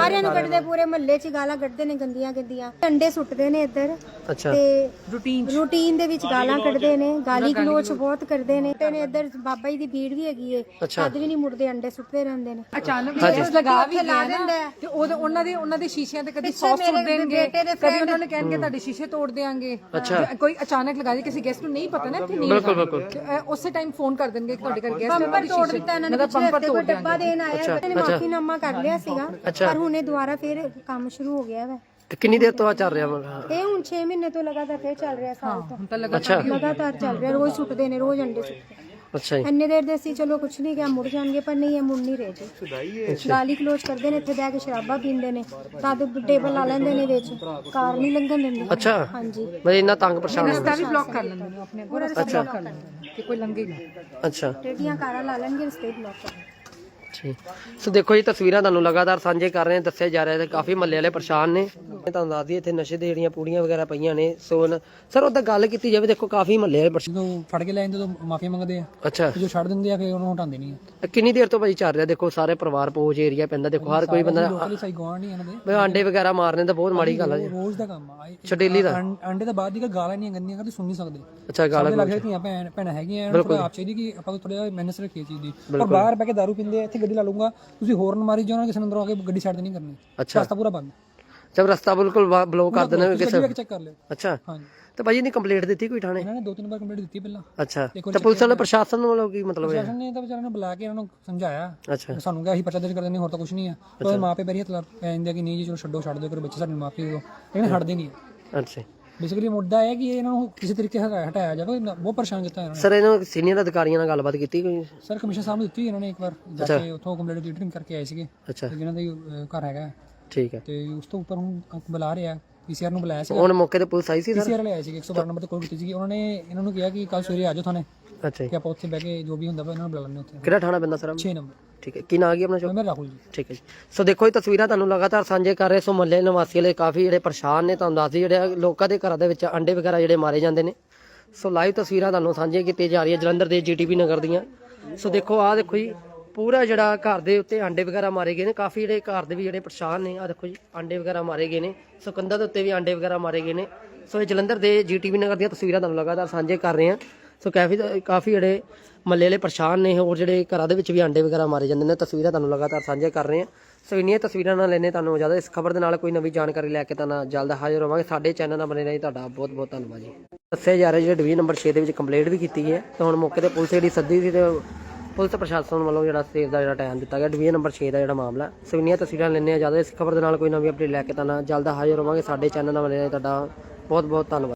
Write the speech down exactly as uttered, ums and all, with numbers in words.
ਸਾਰਿਆਂ ਨੂੰ ਕੱਢਦੇ, ਪੂਰੇ ਮਹੱਲੇ 'ਚ ਗਾਲਾਂ ਕੱਢਦੇ ਨੇ ਗੰਦੀਆਂ ਗੰਦੀਆਂ, ਅੰਡੇ ਸੁੱਟਦੇ ਨੇ ਇੱਧਰ। ਅੱਛਾ। ਤੇ ਰੂਟੀਨ ਰੂਟੀਨ ਦੇ ਵਿੱਚ ਗਾਲਾਂ ਕੱਢਦੇ ਨੇ, ਗਾਲੀ ਗਲੋਚ ਬਹੁਤ ਕਰਦੇ ਨੇ। ਤੇ ਨੇ ਇੱਧਰ ਬਾਬਾ ਜੀ ਦੀ ਭੀੜ ਵੀ ਹੈਗੀ ਏ, ਤਦ ਵੀ ਨਹੀਂ ਮੁੜਦੇ, ਅੰਡੇ ਸੁੱਟਦੇ ਰਹਿੰਦੇ ਨੇ। ਅਚਾਨਕ ਲਗਾ ਵੀ ਲਾ ਦਿੰਦਾ ਤੇ ਉਹਦੇ ਉਹਨਾਂ ਦੇ ਉਹਨਾਂ ਦੇ ਸ਼ੀਸ਼ਿਆਂ ਤੇ ਕਦੀ ਸੌਸ ਸੁੱਟ ਦੇਣਗੇ, ਕਦੀ ਉਹਨਾਂ ਨੇ ਕਹਿਣਗੇ ਤੁਹਾਡੇ ਸ਼ੀਸ਼ੇ ਤੋੜ ਦੇਾਂਗੇ। ਕੋਈ ਅਚਾਨਕ ਲਗਾ ਦੇ, ਕਿਸੇ ਗੈਸਟ ਨੂੰ ਨਹੀਂ ਪਤਾ ਨਾ ਇੱਥੇ ਨਹੀਂ ਬਿਲਕੁਲ ਬਿਲਕੁਲ ਉਸੇ ਟਾਈਮ ਫੋਨ ਕਰ ਦੇਣਗੇ ਕਿ ਤੁਹਾਡੇ ਘਰ ਗੈਸਟ ਬੰਪਰ ਤੋੜ ਦਿੱਤਾ ਇਹਨਾਂ ਨੇ, ਪਿਛਲੇ ਕੋਈ ਡੱਬਾ ਦੇਣ ਆਇਆ, ਇਹਨਾਂ ਨੇ ਮਾਫੀਨਾਮਾ ਕਰ ਲਿਆ ਸੀਗਾ, ਪਰ ਹੁਣੇ ਦੁਬਾਰਾ ਫਿਰ ਕੰਮ ਸ਼ੁਰੂ ਹੋ ਗਿਆ ਵਾ। ਕਿੰਨੀ ਦੇਰ ਤੋਂ ਆ ਚੱਲ ਰਿਹਾ ਵਾ? ਇਹ ਹੁਣ ਛੇ ਮਹੀਨੇ ਤੋਂ ਲਗਾਤਾਰ ਫੇਰ ਚੱਲ ਰਿਹਾ, ਸਾਲ ਤੋਂ ਹੁਣ ਤਾਂ ਲਗਾਤਾਰ ਲਗਾਤਾਰ ਚੱਲ ਰਿਹਾ, ਰੋਜ਼ ਸੁੱਟਦੇ ਨੇ, ਰੋਜ਼ ਅੰਡੇ ਸੁੱਟਦੇ। ਅੱਛਾ ਜੀ। ਇੰਨੇ ਦੇਰ ਦੇ ਸੀ ਚਲੋ ਕੁਛ ਨਹੀਂ ਕਿਹਾ, ਮੁੜ ਜਾਣਗੇ, ਪਰ ਨਹੀਂ, ਇਹ ਮੁੜ ਨਹੀਂ ਰਹੇ ਜੀ। ਗਾਲੀ ਕਲੋਜ਼ ਕਰਦੇ ਨੇ, ਇੱਥੇ ਬਹਿ ਕੇ ਸ਼ਰਾਬਾਂ ਪੀਂਦੇ ਨੇ, ਤਦ ਟੇਬਲ ਲਾ ਲੈਂਦੇ ਨੇ ਵਿੱਚ, ਕਾਰ ਨਹੀਂ ਲੰਘਣ ਦਿੰਦੇ। ਅੱਛਾ। ਹਾਂਜੀ, ਬਈ ਇੰਨਾ ਤੰਗ ਪਰੇਸ਼ਾਨ ਰਸਤਾ ਵੀ ਬਲੌਕ ਕਰ ਲੈਂਦੇ ਨੇ, ਆਪਣੇ ਪੂਰਾ ਰਸਤਾ ਬਲੌਕ ਕਰ ਲੈਂਦੇ ਨੇ ਕਿ ਕੋਈ ਲੰਘੇ ਨਾ। ਅੱਛਾ। ਟੇਡੀਆਂ ਕਾਰਾਂ ਲਾ ਲੈਣਗੇ, ਰਸਤੇ ਬਲੌਕ ਕਰ ਲੈਣਗੇ। ਠੀਕ। ਸੋ ਦੇਖੋ ਜੀ, ਤਸਵੀਰਾਂ ਤੁਹਾਨੂੰ ਲਗਾਤਾਰ ਸਾਂਝੇ ਕਰ ਰਹੇ ਹਾਂ, ਦੱਸਿਆ ਜਾ ਰਿਹਾ ਹੈ ਕਾਫੀ ਮਹੱਲੇ ਵਾਲੇ ਪਰੇਸ਼ਾਨ ਨੇ। ਮੈਂ ਤੁਹਾਨੂੰ ਦੱਸ ਦਈਏ ਇੱਥੇ ਨਸ਼ੇ ਦੇ ਜਿਹੜੀਆਂ ਪੂੜੀਆਂ ਵਗੈਰਾ ਪਈਆਂ ਨੇ। ਸੋ ਸਰ ਉਹਦਾ ਗੱਲ ਕੀਤੀ ਜਾਵੇ, ਦੇਖੋ ਕਾਫੀ ਮਹੱਲੇ ਵਾਲੇ ਪਰੇਸ਼ਾਨ। ਜਦੋਂ ਫੜ ਕੇ ਲੈ ਜਾਂਦੇ ਤਾਂ ਮਾਫੀ ਮੰਗਦੇ ਆ, ਅੱਛਾ। ਜੋ ਛੱਡ ਦਿੰਦੇ ਆ ਫਿਰ ਉਹਨੂੰ ਹਟਾਉਂਦੇ ਨਹੀਂ ਆ। ਕਿੰਨੀ ਦੇਰ ਤੋਂ ਭਾਈ ਚੱਲ ਰਿਹਾ? ਦੇਖੋ ਸਾਰੇ ਪਰਿਵਾਰ ਪੋਜ ਏਰੀਆ ਪੈਂਦਾ, ਦੇਖੋ ਹਰ ਕੋਈ ਬੰਦਾ ਲੋਕਲੀ ਸਹੀ ਗਵਾਂਢ ਨਹੀਂ ਇਹਨਾਂ ਦੇ, ਬਈ ਆਂਡੇ ਵਗੈਰਾ ਮਾਰਨੇ ਤਾਂ ਬਹੁਤ ਮਾੜੀ ਗੱਲ ਹੈ ਜੀ, ਰੋਜ਼ ਦਾ ਕੰਮ ਆ। ਛਡੇਲੀ ਦਾ ਅੰਡੇ ਤੋਂ ਬਾਅਦ ਦੀ ਗਾਲਾਂ ਨਹੀਂ ਗੰਦੀਆਂ ਕਰਦੇ, ਸੁਣ ਨਹੀਂ ਸਕਦੇ। ਅੱਛਾ। ਗਾਲਾਂ ਲੱਗ ਧੀਆਂ ਭੈਣ ਭੈਣਾਂ ਹੈਗੀਆਂ, ਇਹਨਾਂ ਨੂੰ ਆਪ ਚਾਹੀਦੀ ਕਿ ਆਪਾਂ ਥੋੜਾ ਮੈਨੇਜ ਰੱਖੀਏ ਚੀਜ਼ ਦੀ। ਪਰ ਬਾਹਰ ਬਹਿ ਕੇ ਦਾਰੂ ਪੀਂਦੇ ਆ, ਇੱਥੇ ਗੱਡੀ ਲਾ ਲੂੰਗਾ, ਤੁਸੀਂ ਹੋਰਨ ਮਾਰੀ ਜਾਓ, ਕਿਸੇ ਨੂੰ ਅੰਦਰੋਂ ਆ ਕੇ ਗੱਡੀ ਛੱਡ ਨਹੀਂ ਕਰਨੀ। ਅੱਛਾ। ਰਸਤਾ ਪੂਰਾ ਬੰਦ, ਜਦ ਰਸਤਾ ਬਿਲਕੁਲ ਬਲੌਕ ਕਰ ਦੇਣਾ ਕਿਸੇ। ਚੈੱਕ ਕਰ ਲਿਓ। ਅੱਛਾ। ਹਾਂਜੀ। ਤੇ ਭਾਜੀ ਨੇ ਕੰਪਲੇਂਟ ਦਿੱਤੀ ਕੋਈ ਥਾਣੇ? ਇਹਨਾਂ ਨੇ ਦੋ ਤਿੰਨ ਵਾਰ ਕੰਪਲੇਂਟ ਦਿੱਤੀ ਪਹਿਲਾਂ। ਅੱਛਾ। ਤੇ ਪੁਲਿਸ ਵਾਲੇ ਪ੍ਰਸ਼ਾਸਨ ਵੱਲੋਂ ਕੀ ਮਤਲਬ ਹੈ? ਪ੍ਰਸ਼ਾਸਨ ਨੇ ਤਾਂ ਵਿਚਾਰਿਆਂ ਨੂੰ ਬੁਲਾ ਕੇ ਇਹਨਾਂ ਨੂੰ ਸਮਝਾਇਆ। ਅੱਛਾ। ਸਾਨੂੰ ਕਿਹਾ ਅਸੀਂ ਪਰਚਾ ਦਰਜ ਕਰ ਦਿੰਦੇ, ਹੋਰ ਤਾਂ ਕੁਝ ਨਹੀਂ ਆ। ਉਹਦੇ ਮਾਪੇ ਪੈਰੀ ਹੱਥ ਲਾ ਪੈ ਜਾਂਦੇ ਕਿ ਨਹੀਂ ਜੀ ਚਲੋ ਛੱਡੋ ਛੱਡ ਦਿਓ, ਕਰ ਬੱਚੇ ਸਾਡੇ ਮਾਪੇ ਦਿਓ, ਲੇਕਿਨ ਹਟਦੇ ਨਹੀਂ। ਅੱਛਾ। ਬੇਸਿਕਲੀ ਮੁੱਦਾ ਹੈ ਕਿ ਇਹਨਾਂ ਨੂੰ ਕਿਸੇ ਤਰੀਕੇ ਹਟਾਇਆ ਹਟਾਇਆ ਜਾਵੇ, ਬਹੁਤ ਪਰੇਸ਼ਾਨ ਕੀਤਾ ਇਹਨਾਂ ਨੇ। ਸਰ ਇਹਨਾਂ ਸੀਨੀਅਰ ਅਧਿਕਾਰੀਆਂ ਨਾਲ ਗੱਲਬਾਤ ਕੀਤੀ ਕੋਈ? ਸਰ ਕਮਿਸ਼ਨ ਸਾਹਿਬ ਨੂੰ ਦਿੱਤੀ ਇਹਨਾਂ ਨੇ ਇੱਕ ਵਾਰ ਜਾ ਕੇ, ਉੱਥੋਂ ਕੰਪਲੇਂਟ ਰੀਡਿੰਗ ਕਰਕੇ ਆਏ ਸੀਗੇ। ਅੱਛਾ। ਜਿਹਨਾਂ ਦਾ ਅਹ, ਘਰ ਹੈਗਾ। ਠੀਕ ਹੈ। ਤੇ ਉਸ ਤੋਂ ਉੱਪਰ ਹੁਣ ਬੁਲਾ ਰਿਹਾ, ਪੀਸੀਆਰ ਨੂੰ ਬੁਲਾਇਆ ਸੀ। ਹੁਣ ਮੌਕੇ ਤੇ ਪੁਲਿਸ ਆਈ ਸੀ ਸਰ? ਪੀਸੀਆਰ ਵਾਲੇ ਆਏ ਸੀਗੇ, ਇੱਕ ਸੌ ਬਾਰਾਂ ਨੰਬਰ ਤੇ ਕਾਲ ਕੀਤੀ ਸੀਗੀ ਉਹਨਾਂ ਨੇ। ਇਹਨਾਂ ਨੂੰ ਕਿਹਾ ਕਿ ਕੱਲ ਸਵੇਰੇ ਆ ਜਾਓ ਥਾਣੇ, ਅੱਛਾ ਕਿ ਆਪਾਂ ਉੱਥੇ ਬਹਿ ਕੇ ਜੋ ਵੀ ਹੁੰਦਾ ਵਾ ਇਹਨਾਂ ਨੂੰ ਬੁਲਾ ਲੈਂਦੇ ਉੱਥੇ। ਕਿਹੜਾ ਥਾਣਾ ਪੈਂਦਾ ਸਰ? ਛੇ ਨੰਬਰ। ਠੀਕ ਹੈ। ਕੀ ਨਾਂ ਆ ਗਿਆ ਆਪਣਾ ਚੌਕ? ਮੈਂ ਰਾਹੁਲ ਜੀ। ਠੀਕ ਹੈ ਜੀ। ਸੋ ਦੇਖੋ ਇਹ ਤਸਵੀਰਾਂ ਤੁਹਾਨੂੰ ਲਗਾਤਾਰ ਸਾਂਝੇ ਕਰ ਰਹੇ। ਸੋ ਮਹੱਲੇ ਨਿਵਾਸੀ ਵਾਲੇ ਕਾਫੀ ਜਿਹੜੇ ਪਰੇਸ਼ਾਨ ਨੇ, ਤੁਹਾਨੂੰ ਦੱਸਦੀ ਜਿਹੜੇ ਲੋਕਾਂ ਦੇ ਘਰਾਂ ਦੇ ਵਿੱਚ ਅੰਡੇ ਵਗੈਰਾ ਜਿਹੜੇ ਮਾਰੇ ਜਾਂਦੇ ਨੇ। ਸੋ ਲਾਈਵ ਤਸਵੀਰਾਂ ਤੁਹਾਨੂੰ ਸਾਂਝੀਆਂ ਕੀਤੀਆਂ ਜਾ ਰਹੀਆਂ ਜਲੰਧਰ ਦੇ ਜੀਟੀਪੀ ਨਗਰ ਦੀਆਂ। ਸੋ ਦੇਖੋ ਆਹ ਦੇਖੋ ਜੀ, ਪੂਰਾ ਜਿਹੜਾ ਘਰ ਦੇ ਉੱਤੇ ਅੰਡੇ ਵਗੈਰਾ ਮਾਰੇ ਗਏ ਨੇ। ਕਾਫੀ ਜਿਹੜੇ ਘਰ ਦੇ ਵੀ ਜਿਹੜੇ ਪਰੇਸ਼ਾਨ ਨੇ, ਆਹ ਦੇਖੋ ਜੀ ਅੰਡੇ ਵਗੈਰਾ ਮਾਰੇ ਗਏ ਨੇ। ਸੋ ਕੰਧਾਂ ਦੇ ਉੱਤੇ ਵੀ ਅੰਡੇ ਵਗੈਰਾ ਮਾਰੇ ਗਏ ਨੇ। ਸੋ ਇਹ ਜਲੰਧਰ ਦੇ ਜੀਟੀਪੀ ਨਗਰ ਦੀਆਂ ਤਸਵੀਰਾਂ ਤੁਹਾਨੂੰ ਲਗਾਤਾਰ ਸਾਂਝੇ ਕਰ ਰਹੇ ਹਾਂ। ਸੋ ਕਾਫੀ ਕਾਫੀ ਜਿਹੜੇ ਮਹੱਲੇ ਵਾਲੇ ਪਰੇਸ਼ਾਨ ਨੇ, ਹੋਰ ਜਿਹੜੇ ਘਰਾਂ ਦੇ ਵਿੱਚ ਵੀ ਅੰਡੇ ਵਗੈਰਾ ਮਾਰੇ ਜਾਂਦੇ ਨੇ। ਤਸਵੀਰਾਂ ਤੁਹਾਨੂੰ ਲਗਾਤਾਰ ਸਾਂਝੇ ਕਰ ਰਹੇ ਹਾਂ। ਸੋ ਇੰਨੀਆਂ ਤਸਵੀਰਾਂ ਨਾਲ ਲੈਣੇ ਤੁਹਾਨੂੰ ਜ਼ਿਆਦਾ। ਇਸ ਖਬਰ ਦੇ ਨਾਲ ਕੋਈ ਨਵੀਂ ਜਾਣਕਾਰੀ ਲੈ ਕੇ ਤਾਂ ਜਲਦ ਹਾਜ਼ਰ ਹੋਵਾਂਗੇ। ਸਾਡੇ ਚੈਨਲ ਨਾਲ ਬਣੇ ਰਹੀ, ਤੁਹਾਡਾ ਬਹੁਤ ਬਹੁਤ ਧੰਨਵਾਦ ਜੀ। ਦੱਸਿਆ ਜਾ ਰਿਹਾ ਜਿਹੜਾ ਡਿਵੀਜ਼ਨ ਨੰਬਰ ਛੇ ਦੇ ਵਿੱਚ ਕੰਪਲੇਂਟ ਵੀ ਕੀਤੀ ਹੈ, ਤਾਂ ਹੁਣ ਮੌਕੇ ਤੇ ਪੁਲਿਸ ਜਿਹੜੀ ਸੱਦੀ ਸੀ ਤੇ ਪੁਲਿਸ ਪ੍ਰਸ਼ਾਸਨ ਵੱਲੋਂ ਜਿਹੜਾ ਸਵੇਰ ਦਾ ਜਿਹੜਾ ਟਾਈਮ ਦਿੱਤਾ ਗਿਆ ਡਿਵੀਜ਼ਨ ਨੰਬਰ ਛੇ ਦਾ ਜਿਹੜਾ ਮਾਮਲਾ। ਸੋ ਇੰਨੀਆਂ ਤਸਵੀਰਾਂ ਲੈਣੇ ਆ ਜ਼ਿਆਦਾ। ਇਸ ਖਬਰ ਦੇ ਨਾਲ ਕੋਈ ਨਵੀਂ ਅਪਡੇਟ ਲੈ ਕੇ ਤਾਂ ਜਲਦ ਹਾਜ਼ਰ ਹੋਵਾਂਗੇ। ਸਾਡੇ ਚੈਨਲ ਨਾਲ ਬਣੇ ਰਹੀ, ਤੁਹਾਡਾ ਬਹੁਤ ਬਹੁਤ ਧੰਨਵਾਦ।